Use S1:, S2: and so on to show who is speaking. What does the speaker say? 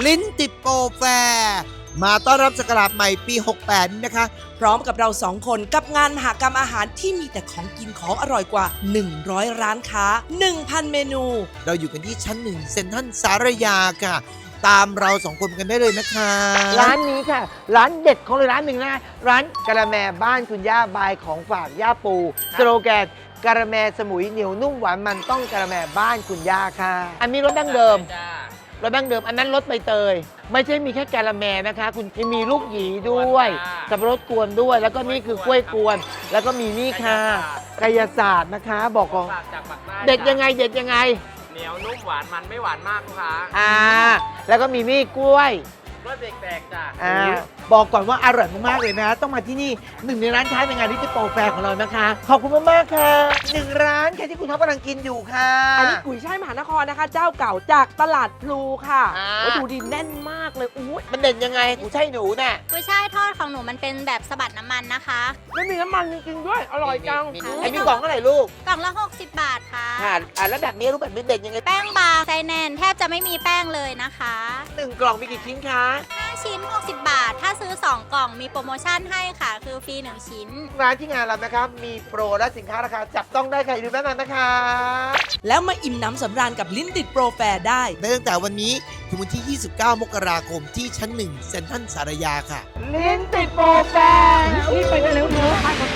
S1: ลิ้นติดโปรแฟร์มาต้อนรับศักราชใหม่ปี 68 นี้นะคะ
S2: พร้อมกับเรา2 คนกับงานมหกรรมอาหารที่มีแต่ของกินของอร่อยกว่า 100 ร้านค้า 1,000 เมนู
S1: เราอยู่กันที่ชั้น 1 เซ็นทรัลสารยาค่ะ ตามเรา2 คนกันได้เลยนะคะ
S3: ร้านนี้ค่ะ ร้านเด็ดของเลยร้านหนึ่งนะร้านกะละแมบ้านคุณย่าบายของฝากย่าปูสโลแกนกะละแมสมุยเหนียวนุ่มหวานมันต้องกะละแมบ้านคุณย่าค่ะ อันนี้รสดั้งเดิมรสดั้งเดิมอันนั้นรสใบเตยไม่ใช่มีแค่กะละแมนะคะ คุณมีลูกหยีด้วยสับปะรดกวนด้วย แล้วก็นี่คือกล้วยกวน แล้วก็มีนี่ค่ะกายศาสตร์นะคะ บอกของ
S4: จากปากใต้
S3: เด็ดยังไงเด็ดยังไง
S4: เหนียวนุ่มหวานมันไม่หวานมากลูกค้า
S3: แล้วก็มีนี่กล้วย
S4: รสแปลกๆจ้ะ
S3: บอกก่อนว่าอร่อยมากๆเลยนะ ต้องมาที่นี่หนึ่งในร้านค้าในงานลิติโปรแฟร์ของเรานะคะ ขอบคุณมากๆค่ะหนึ่งร้านค่ะที่คุณท็อปกำลังกินอยู่ค่ะ
S2: อันนี้กุยช่ายมหานครนะคะ เจ้าเก่าจากตลาดพลูค่ะ
S3: อ่า
S2: วัตถุดิบแน่นมากเลยอุ้ย
S3: มันเด่นยังไงกูใช่หนูน่ะ
S5: กุ้ยช่ายทอดของหนูมันเป็นแบบสะบัดน้ำมันนะคะ
S2: ไม่มีน้ำมันจริงๆด้วย อร่อยจัง
S3: ไอ้มีกล่องเท่าไหร่ลูก
S5: กล่องละ 60 บาทค่ะ
S3: แล้วแบบนี้รูปแบบนี้เด่นยังไง
S5: แป้งบางไส้แน่นแทบจะไม่มีแป้งเลยนะคะ
S3: หนึ่งกล่องมีกี่ชิ้นคะ
S5: 5 ชิ้น 60 บาท ถ้าซื้อ 2 กล่องมีโปรโมชั่นให้ค่ะ คือฟรี 1 ชิ้น
S3: ร้านที่งานเรานะครับมีโปรและสินค้าราคาจับต้องได้ค่ะอย่าลืมแนะนำนะคะ
S2: แล้วมาอิ่มน้ำสำราญกับลิ้นติดโปรแฟร์ได้
S1: ได้ตั้งแต่วันนี้ถึงวันที่ 29 มกราคมที่ชั้น 1 เซ็นทรัลสารยาค่ะ
S3: ลิ้นติดโปรแฟร์
S2: รีบไปกันเร็วเถอะ